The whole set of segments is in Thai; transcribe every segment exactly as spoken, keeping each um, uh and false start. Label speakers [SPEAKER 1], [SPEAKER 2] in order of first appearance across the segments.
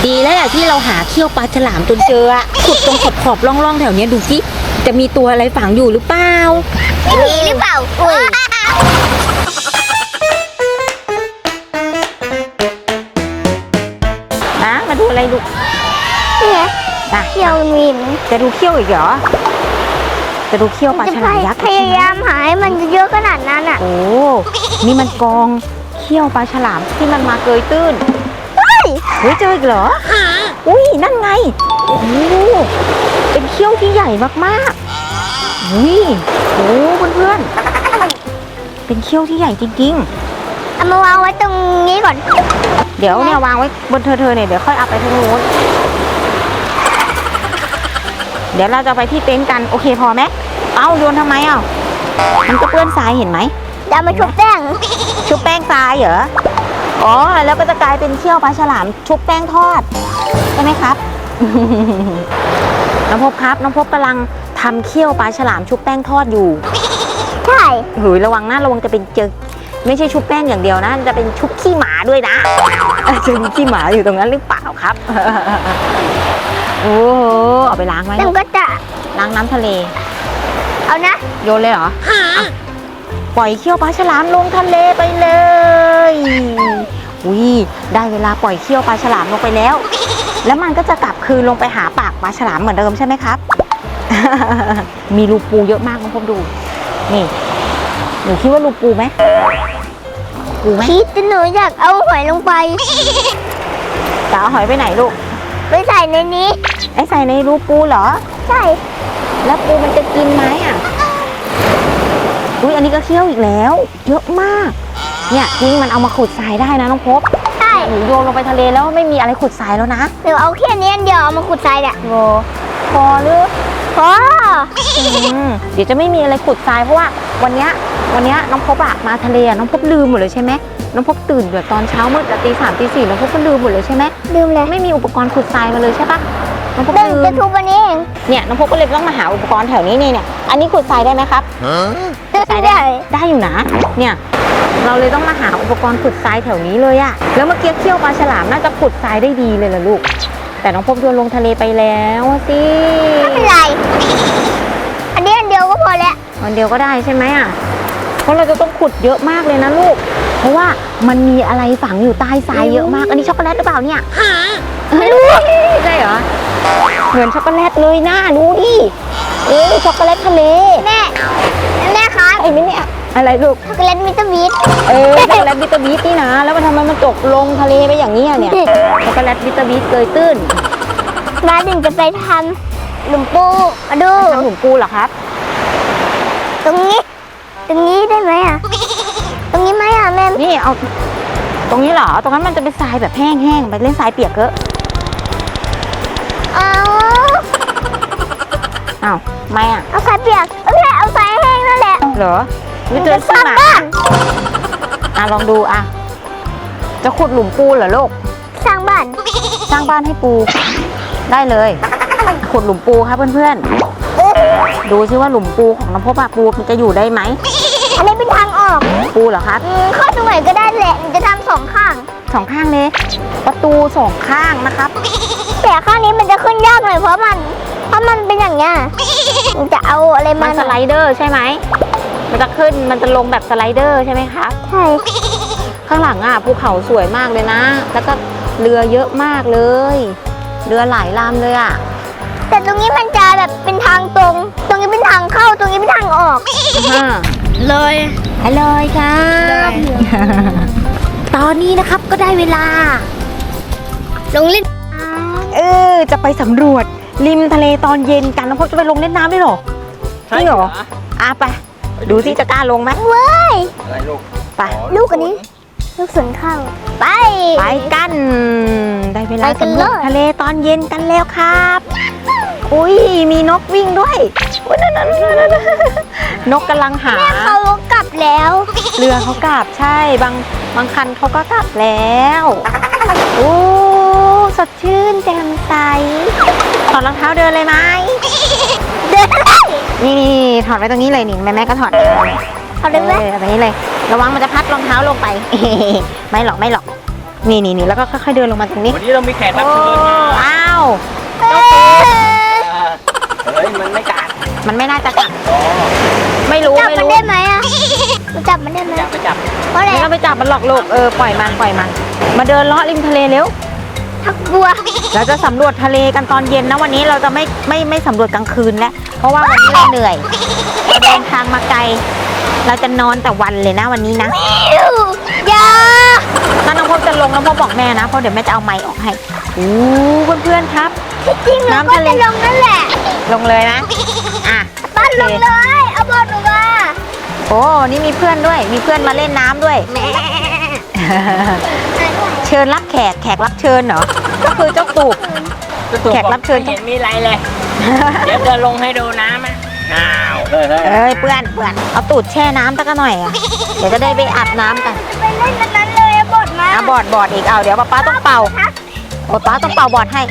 [SPEAKER 1] ดีแล้วแหละที่เราหาเขี้ยวปลาฉลามจนเจออะขุดตรงขอบขอบๆร่องๆแถวเนี้ยดูสิจะมีตัวอะไรฝังอยู่หรือเปล่า
[SPEAKER 2] ไม่มีหรือเปล่าว้า
[SPEAKER 1] นะมาดูอะไรลูก
[SPEAKER 2] เนี่ย
[SPEAKER 1] นะ
[SPEAKER 2] เขี้ยวมีน
[SPEAKER 1] จะดูเขี้ยวอีกเหรอจะดูเขี้ยวปลาฉลามยักษ์
[SPEAKER 2] พยายามหาให้มันเยอะขนาดนั้นอ่ะ
[SPEAKER 1] โอ้นี่มันกองเขี้ยวปลาฉลามที่มันมาเกยตื้น
[SPEAKER 2] เฮ้ย
[SPEAKER 1] เฮ้ยเจออีกเหรออุ้ยนั่นไงโอ้เป็นเขี้ยวที่ใหญ่มากๆอุ้ยโอ้เพื่อนๆเป็นเขี้ยวที่ใหญ่จริงๆ
[SPEAKER 2] เอามาวางไว้ตรงนี้ก่อน
[SPEAKER 1] เดี๋ยวเนี่ยวางไว้บนเธอเธอเนี่ยเดี๋ยวค่อยเอาไปทางนู้นเดี๋ยวเราจะไปที่เต็นท์กันโอเคพอไหมเอ้าโยนทำไมอ่ะมันก็เปื้อนทรายเห็นไหม
[SPEAKER 2] เดี๋ยวมาชุบแป้ง
[SPEAKER 1] ชุบแป้งทรายเหรออ๋อแล้วก็จะกลายเป็นเขี้ยวปลาฉลามชุบแป้งทอดใช่ไหมครับ น้องพบครับน้องพบกำลังทำเขี้ยวปลาฉลามชุบแป้งทอดอยู่
[SPEAKER 2] ใช่
[SPEAKER 1] หือระวังนะระวังจะเป็นเจอไม่ใช่ชุบแป้งอย่างเดียวนะจะเป็นชุบขี้หมาด้วยนะจะมีขี้หมาอยู่ตรงนั้นหรือเปล่าครับ โอ้โหเอาไปล้างไหม
[SPEAKER 2] มันก็จะ
[SPEAKER 1] ล้างน้ำทะเล
[SPEAKER 2] เอานะ
[SPEAKER 1] โยนเลยเหรออ่ะปล่อยเขี้ยวปลาฉลามลงทะเลไปเลยอุ้ยได้เวลาปล่อยเขี้ยวปลาฉลามลงไปแล้ว แล้วมันก็จะกลับคืนลงไปหาปากปลาฉลามเหมือนเดิมใช่ไหมครับ มีรูปูเยอะมากน้องพบดูนี่หนูคิดว่ารูปูไหมปูไหม
[SPEAKER 2] คิดแต่หนูอยากเอาหอยลงไป
[SPEAKER 1] จะเอาหอยไปไหนลูก
[SPEAKER 2] ไปใส่ในนี้
[SPEAKER 1] ไอ้ใส่ในรูปูเหรอ
[SPEAKER 2] ใช่
[SPEAKER 1] แล้วปูมันจะกินไหมอ่ะอุ้ยอันนี้ก็เขี้ยวอีกแล้ว เยอะมากเนี่ยจริงมันเอามาขุดทรายได้นะน้องพบ
[SPEAKER 2] ใช่
[SPEAKER 1] หนูโยนลงไปทะเลแล้วไม่มีอะไรขุดทรายแล้วนะ
[SPEAKER 2] หนูเอาแค่นี้อันเดียวเอามาขุดทรายเนี่ย
[SPEAKER 1] โอ้พอหรือ
[SPEAKER 2] พอ
[SPEAKER 1] อืมเดี๋ยวจะไม่มีอะไรขุดทรายเพราะว่าวันเนี้ยวันเนี้ยน้องพบอะมาทะเลอะน้องพบลืมหมดเลยใช่ไหมน้องพบตื่นแบบตอนเช้ามืดตีสามตีสี่น้องพบก็ลืมหมดเลยใช่ไหม
[SPEAKER 2] ลืมเลย
[SPEAKER 1] ไม่มีอุปกรณ์ขุดทรายมาเลยใช่ปะน้องพบ
[SPEAKER 2] เดิน
[SPEAKER 1] ลื
[SPEAKER 2] จะ
[SPEAKER 1] ม
[SPEAKER 2] ทุบวันนี้เอง
[SPEAKER 1] เนี่ยน้องพบก็เลยต้องมาหาอุปกรณ์แถวนี้นี่เนี่ยอันนี้ขุดทรายได้ไหมครับ
[SPEAKER 2] ได้ได้
[SPEAKER 1] ได้อยู่นะเนี่ยเราเลยต้องมาหาอุปกรณ์ขุดทรายแถวนี้เลยอะแล้วเมื่อกี้เขี้ยวปลาฉลามน่าจะขุดทรายได้ดีเลยล่ะลูกแต่น้องพบโยนลงทะเลไปแล้วสิ
[SPEAKER 2] ไม่เป็นไร อันนี้อันเดียวก็พอแล้ว
[SPEAKER 1] วันเดียวก็ได้ใช่ไหมอะเพราะเราจะต้องขุดเยอะมากเลยนะลูกเพราะว่ามันมีอะไรฝังอยู่ใต้ทรายเยอะมากอันนี้ช็อกโกแลตหรือเปล่าเนี่ยไม่รู้ใช่เหรอเหมือนช็อกโกแลตเลยนะดูดิเอ๊ะช็อกโกแลตทะเล
[SPEAKER 2] แม่แม่ครับ
[SPEAKER 1] ไอ้ไม่เนี่ยอะไรลูก
[SPEAKER 2] ช็อกโกแลตมิสเตอร์บีท
[SPEAKER 1] เออช็อกโกแลตบิตเตอร์บีทนี่นะแล้วมันทำไมมันตกลงทะเลไปอย่างนี้อะเนี่ยช็อกโกแลตบิตเตอร์บีทเกยตื้น
[SPEAKER 2] มาถึงจะไปทำหลุมปูมาดู
[SPEAKER 1] ทำหลุมปูเหรอครับ
[SPEAKER 2] ตรงนี้ ตรงนี้ได้ไหมอ่ะ ตรงนี้ไหมอ่ะแม่
[SPEAKER 1] นี่เอาตรงนี้เหรอตรงนั้นมันจะเป็นทรายแบบแห้งๆไปเล่นทรายเปียกเกอะ
[SPEAKER 2] เอา
[SPEAKER 1] อ้าวไม่อ่ะ
[SPEAKER 2] เอาสายเปียกเอ้ยเอาสายแห้งนั่นแหละ
[SPEAKER 1] เหรอไม่เจอ
[SPEAKER 2] ส
[SPEAKER 1] ขี้
[SPEAKER 2] ร้าง
[SPEAKER 1] หมา
[SPEAKER 2] บ้าน
[SPEAKER 1] อ่ะลองดูอ่ะจะขุดหลุมปูเหรอลูก
[SPEAKER 2] สร้างบ้าน
[SPEAKER 1] สร้างบ้านให้ปูได้เลยขุดหลุมปูครับเพื่อนๆดูซิว่าหลุมปูของน้ำพบอะปูมันจะอยู่ได้ไหม
[SPEAKER 2] อันนี้เป็นทางออก
[SPEAKER 1] ปูเหรอครับ
[SPEAKER 2] อืมเข้าตรงไหนก็ได้แหละจะทำสองข้าง
[SPEAKER 1] สองข้างเลยประตูสองข้างนะครับ
[SPEAKER 2] แต่ข้างนี้มันจะขึ้นยากหน่อยเพราะมัน เพราะมันเป็นอย่างเงี้ยมันจะเอาอะไร
[SPEAKER 1] มั
[SPEAKER 2] มาน
[SPEAKER 1] สไลเดอร์ใช่ไหมมันจะขึ้นมันจะลงแบบสไลเดอร์ใช่ไหมครับ
[SPEAKER 2] ใช่
[SPEAKER 1] ข้างหลังอ่ะภูเขาสวยมากเลยนะ แล้วก็เรือเยอะมากเลย เรือหลายลำเลยอ่ะ
[SPEAKER 2] แต่ตรงนี้มันจะแบบเป็นทางตรง ตรงนี้เป็นทางเข้าตรงนี้เป็นทางออก
[SPEAKER 1] เลยฮัลโหลครับ ตอนนี้นะครับก็ได้เวลา
[SPEAKER 2] ลงเล่น
[SPEAKER 1] เออจะไปสำรวจริมทะเลตอนเย็นกันน้องพบจะไปลงเล่นน้ำด้วยเหรอจริงเหรออ่ะไปดูสิจะกล้าลงไหม
[SPEAKER 2] เว้ย
[SPEAKER 3] อะไรลูก
[SPEAKER 1] ไป
[SPEAKER 2] ลูกอันนี้ ลูกสวนข้าวไป
[SPEAKER 1] ไปกัน ได้เวลา
[SPEAKER 2] ไปกัน
[SPEAKER 1] สำรวจ
[SPEAKER 2] เลย
[SPEAKER 1] ทะเลตอนเย็นกันแล้วครับ อุ้ยมีนกวิ่งด้วยอุ๊ยนั่นนั่นนั่นนั่นนกกำลังหา
[SPEAKER 2] แม่เขากลับแล้ว
[SPEAKER 1] เรือเขากลับใช่บางบางคันเขาก็กลับแล้วโอ้สดชื่นแจ่มใสถอดรองเท้าเดินเลยไหม
[SPEAKER 2] เดินเลย
[SPEAKER 1] นี่นี่ถอดไว้ตรงนี้เลยนี่แม่แม่ก็ถอด
[SPEAKER 2] เอาเลยไหม
[SPEAKER 1] ออแบบนี้เลย ระวังมันจะพัดรองเท้าลงไป ไม่หรอกไม่หรอกนี่นี่นี่แล้วก็ค่อยๆเดินลงมาตรงนี้
[SPEAKER 3] วันนี้เรามีแขกรับ
[SPEAKER 1] โอ้
[SPEAKER 3] เชิญมา
[SPEAKER 1] อ้าว
[SPEAKER 2] เอ้ย
[SPEAKER 3] เฮ้ยมันไม่กัด
[SPEAKER 1] มันไม่น่าจะกัดไม่รู้
[SPEAKER 2] จับ
[SPEAKER 1] ไม่
[SPEAKER 2] มัน
[SPEAKER 1] รู้
[SPEAKER 2] ได้ไหมอ่ะมันจับมันได้ไหม
[SPEAKER 3] จับไปจับ
[SPEAKER 2] เพราะอะไร
[SPEAKER 1] ไม่ต้องไปจับมันหรอกลูกเออปล่อยมันปล่อยมัน มาเดินเลาะริมทะเลเร็ว
[SPEAKER 2] ทักบัว
[SPEAKER 1] เราจะสำรวจทะเลกันตอนเย็นนะวันนี้เราจะไม่ไม่ไม่สำรวจกลางคืนแล้วเพราะว่าวันนี้เราเหนื่อยเราเดินทางมาไกล เราจะนอนแต่วันเลยนะวันนี้นะ
[SPEAKER 2] อย่า
[SPEAKER 1] ถ้าน้องพบจะลงน้องพบบอกแม่นะเพราะเดี๋ยวแม่จะเอาไม้ออกให้อู้เพื่อนๆครับ
[SPEAKER 2] จริงๆเรา
[SPEAKER 1] น้ำ
[SPEAKER 2] ก็
[SPEAKER 1] ทะเล
[SPEAKER 2] จะลงนั่นแหละ
[SPEAKER 1] ลงเลยนะอ่ะ
[SPEAKER 2] บ้านลงเลยเอาบอลลงมา
[SPEAKER 1] โอ้นี่มีเพื่อนด้วย มีเพื่อนมาเล่นน้ำด้วย
[SPEAKER 2] แม่
[SPEAKER 1] เชิญรับแขกแขกรับเชิญเหรอก็คือเจ้าตูบ แขกรับเชิญ
[SPEAKER 3] ไม่เห็นมีอะไรเลย เดี๋ยวจะลงให้ดูน้ำอ่ะอ้าวเฮ้ย
[SPEAKER 1] เอ้ยเปื่อนเปื่อนเอาตูดแช่น้ำสักหน่อยอ่ะเดี๋ยวจะได้ไปอาบน้ำกัน
[SPEAKER 2] ไปเล่นกันนั้นเลยเอาบอลมา
[SPEAKER 1] อ่ะบอดบอดอีกเอาเดี๋ยวป๊าป๊าต้องเป่าโอ้ป๊าต้องเป่าบอดให้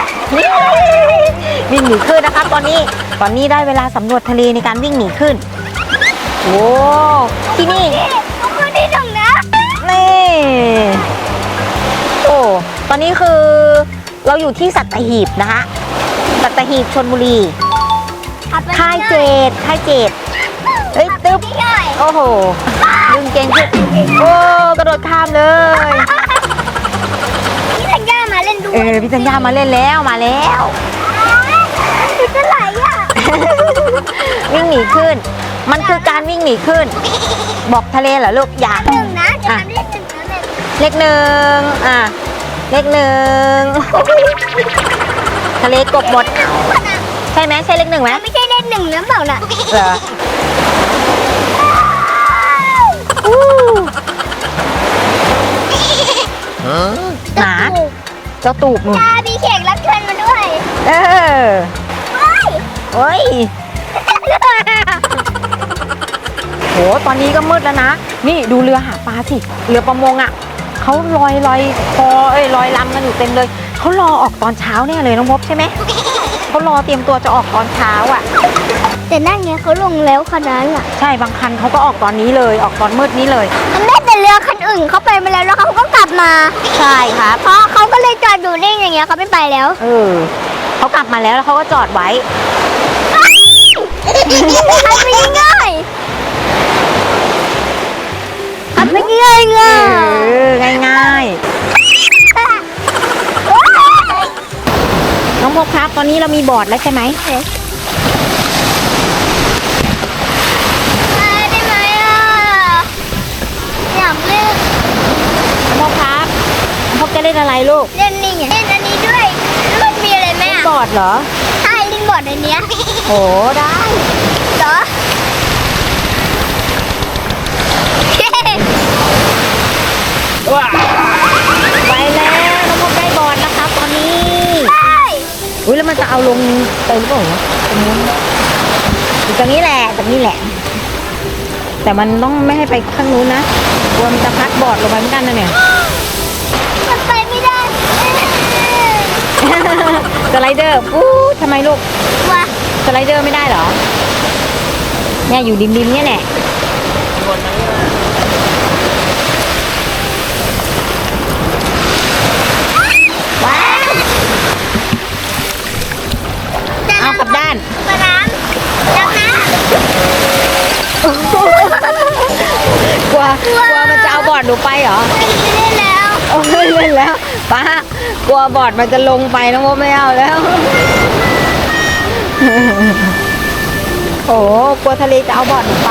[SPEAKER 1] วิ่งหนีขึ้นนะครับ ตอนนี้ตอนนี้ได้เวลาสำรวจทะเลในการวิ่งหนีขึ้นโอ้ที่นี่
[SPEAKER 2] ทุกคนที่ตรงนะ
[SPEAKER 1] นี่โอ้ตอนนี้คือเราอยู่ที่สัตหีบนะคะสัตหีบชลบุรีค่ายเจดค่ายเจดเฮ้ยตึ๊บโอ้โหดึงเก่งขึ้นโอ้กระโดดข้ามเลย
[SPEAKER 2] พี่ธัญญามาเล่นด้ว
[SPEAKER 1] เอย อพี่จัญญามาเล่นแล้วมาแล้ว
[SPEAKER 2] พี่จะไหลอ่ะ
[SPEAKER 1] วิ่งหนีขึ้น มันคือการวิ่งหนีขึ้น บอกทะเลเหรอลูกอย่า
[SPEAKER 2] หนึ่งนะจะทำเล่นหนึ่งนะหนึ่ง
[SPEAKER 1] เลขหนึ่งอ่ะเลขหนึ่งทะเลกบหมด ใช่ไหมใช่เลขหนึ่งไหม
[SPEAKER 2] ไม่ใช่เล่นหนึ่งนะเปล่าน่ะ
[SPEAKER 1] เหรออู้หมาเจ้าตูบนู่น
[SPEAKER 2] ตามีแขกรับเชิญมาด้วย
[SPEAKER 1] เออ
[SPEAKER 2] เฮ้ย
[SPEAKER 1] โอ้ยโหตอนนี้ก็มืดแล้วนะ นี่ดูเรือหาปลาสิเรือประมงอ่ะเขาลอยลอยคอเอ้ยลอยลำกันอยู่เต็มเลยเขารอออกตอนเช้าแน่เลยน้องพบใช่ไหมเขารอเตรียมตัวจะออกตอนเช้าอ่ะ
[SPEAKER 2] แต่นั่นไงเขาลงแล้วคันนั้นอ่ะ
[SPEAKER 1] ใช่บางคันเขาก็ออกตอนนี้เลยออกตอนมืดนี้เลย
[SPEAKER 2] มันได้แต่เรือคันอื่นเขาไปมาแล้วแล้วเขาก็กลับมา
[SPEAKER 1] ใช่ครับ
[SPEAKER 2] เพราะเขาก็เลยจอดอยู่นิ่งอย่างเงี้ยเขาไม่ไปแล้ว
[SPEAKER 1] เออเขากลับมาแล้วแล้วเขาก็จอดไว้
[SPEAKER 2] ขับไปง่ายขับไปง่าย
[SPEAKER 1] เอ
[SPEAKER 2] ง่าย
[SPEAKER 1] อง่ายๆน้องพบครับตอนนี้เรามีบอร์ดแล้วใช่ไหม
[SPEAKER 2] ได้ไหมอ่ะอยากเล่น
[SPEAKER 1] น้องพบครับน้องพบจะเล่นอะไรลูก
[SPEAKER 2] เล่นนี่ไงเล่นอันนี้ด้วยแล้วมันมีอะไรไหมอ่ะ
[SPEAKER 1] บอร์ดเหรอ
[SPEAKER 2] ใช่เล่นบอร์ดอันเนี้ย
[SPEAKER 1] โหได้
[SPEAKER 2] เหรอ
[SPEAKER 3] ว้า
[SPEAKER 1] ไปแล้วน้องพบได้บอร์ดแล้วครับตอนนี้
[SPEAKER 2] ใช่
[SPEAKER 1] อุ้ยแล้วมันจะเอาลงไปหรือเปล่าวะตรงนู้นอยู่ตรงนี้แหละตรงนี้แหละ แต่มันต้องไม่ให้ไปข้างนู้นนะกลัวมันจะพัดบอร์ดลงไปเหมือนกันนะเนี่ย
[SPEAKER 2] มันไปไม่ได้
[SPEAKER 1] สไลเดอร์อู้ทำไมลูก
[SPEAKER 2] ว่ะ
[SPEAKER 1] สไลเดอร์ไม่ได้เหรอ เนี่ยอยู่ริมๆเนี่ยแหละ
[SPEAKER 3] บนนั้นมา
[SPEAKER 1] ว้าวเอากลับด้าน
[SPEAKER 2] กระน้ำน้ำน้
[SPEAKER 1] กลัวกลัวมันจะเอาบอร์ดหนูไปเหรอ
[SPEAKER 2] ำไม่ได้เล่นแล้ว
[SPEAKER 1] โอ้ยเล่นแล้วป้ากลัวบอร์ดมันจะลงไปน้องโมไม่เอาแล้ว โอ้กลัวทะเลจะเอาบอร์ดหนูไป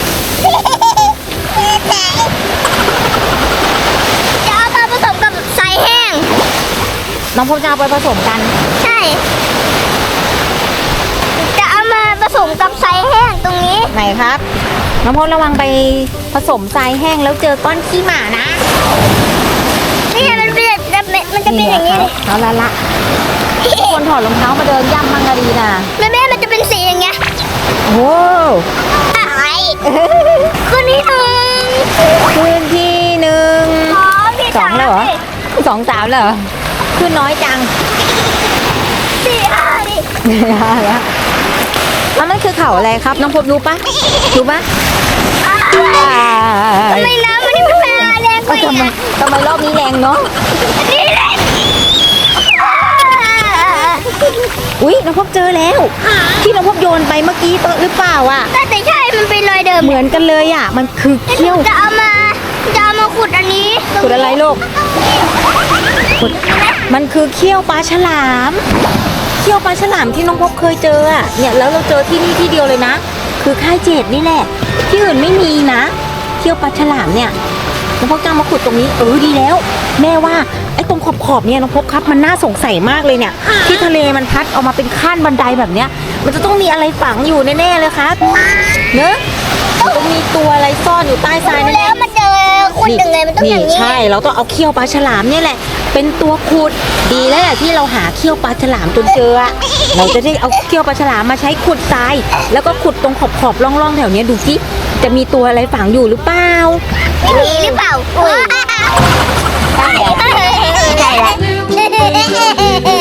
[SPEAKER 2] จะเอามาผสมกับทรายแห้ง
[SPEAKER 1] น้องพบจะเอาไปผสมกัน
[SPEAKER 2] ใช่ จะเอามาผสมกับทรายแห้งตรงนี้
[SPEAKER 1] ไหนครับ น้องพบระวังไปผสมทรายแห้งแล้วเจอก้อนขี้หมานะ
[SPEAKER 2] นี่ไงมันเป็นแบบมันจะเป็นอย่างนี้เลย
[SPEAKER 1] เอาละละคนถอดรองเท้ามาเดินย่ำมังกะดีนะ
[SPEAKER 2] แม่แม่มันจะเป็นสีอย่างเงี้ย
[SPEAKER 1] โอ้
[SPEAKER 2] อะไรคืนที่หนึ่ง
[SPEAKER 1] คืนที่หนึ่ง
[SPEAKER 2] สองที่
[SPEAKER 1] สอ
[SPEAKER 2] สาง ม
[SPEAKER 1] แล้วเหรอสองสามแล้วเหรอขึ้นน้อยจัง
[SPEAKER 2] สี่ห้าดิ
[SPEAKER 1] แล้วแล้วมันคือเขาอะไรครับ น้องพบรู้ปะรู้ปะ
[SPEAKER 2] ทำไมน้ำมันนี่มันมาแรงไป
[SPEAKER 1] ทำไมทำไมรอบนี้แรงเนาะ
[SPEAKER 2] นี่แหละ
[SPEAKER 1] อุ้ยน้องพบเจอแล้ว ที่น้องพบโยนไปเมื่อกี้หรือเปล่าอ่ะ
[SPEAKER 2] แต่แต่ใช่มันเป็นรอยเดิม
[SPEAKER 1] เหมือนกันเลยอ่ะ มันคือเขี้ยว
[SPEAKER 2] จะเอามาจะเอามาขุดอันนี้
[SPEAKER 1] ขุดอะไรลูกขุดมันคือเขี้ยวปลาฉลาม เขี้ยวปลาฉลามที่น้องพบเคยเจออ่ะ เนี่ยแล้วเราเจอที่นี่ที่เดียวเลยนะ คือค่ายเจ็ดนี่แหละ ที่อื่นไม่มีนะ เขี้ยวปลาฉลามเนี่ย น้องพบจะเอามาขุดตรงนี้เออดีแล้ว แม่ว่าไอ้ตรงขอบขอบๆเนี่ยน้องพบครับมันน่าสงสัยมากเลยเนี่ย ที่ทะเลมันพัดออกมาเป็นขั้นบันไดแบบเนี้ย มันจะต้องมีอะไรฝังอยู่แน่ๆเลยครับเนอะมันต้องมีตัวอะไรซ่อนอยู่ใต้ทราย
[SPEAKER 2] ดู
[SPEAKER 1] แน่
[SPEAKER 2] แล้ว
[SPEAKER 1] ๆ
[SPEAKER 2] มันเจอขุดยังไงมันต้องอย่างนี้
[SPEAKER 1] ใช่เราต้องเอาเขี้ยวปลาฉลามเนี่ยแหละ เป็นตัวขุดดีแล้วแหละที่เราหาเขี้ยวปลาฉลามจนเจออะเราจะได้เอาเขี้ยวปลาฉลามมาใช้ขุดทราย แล้วก็ขุดตรงขอบขอบๆร่องๆแถวเนี้ยดูสิจะมีตัวอะไรฝังอยู่หรือเปล่า
[SPEAKER 2] ไม่มีหรือเปล่าใช่ใช่แล้ว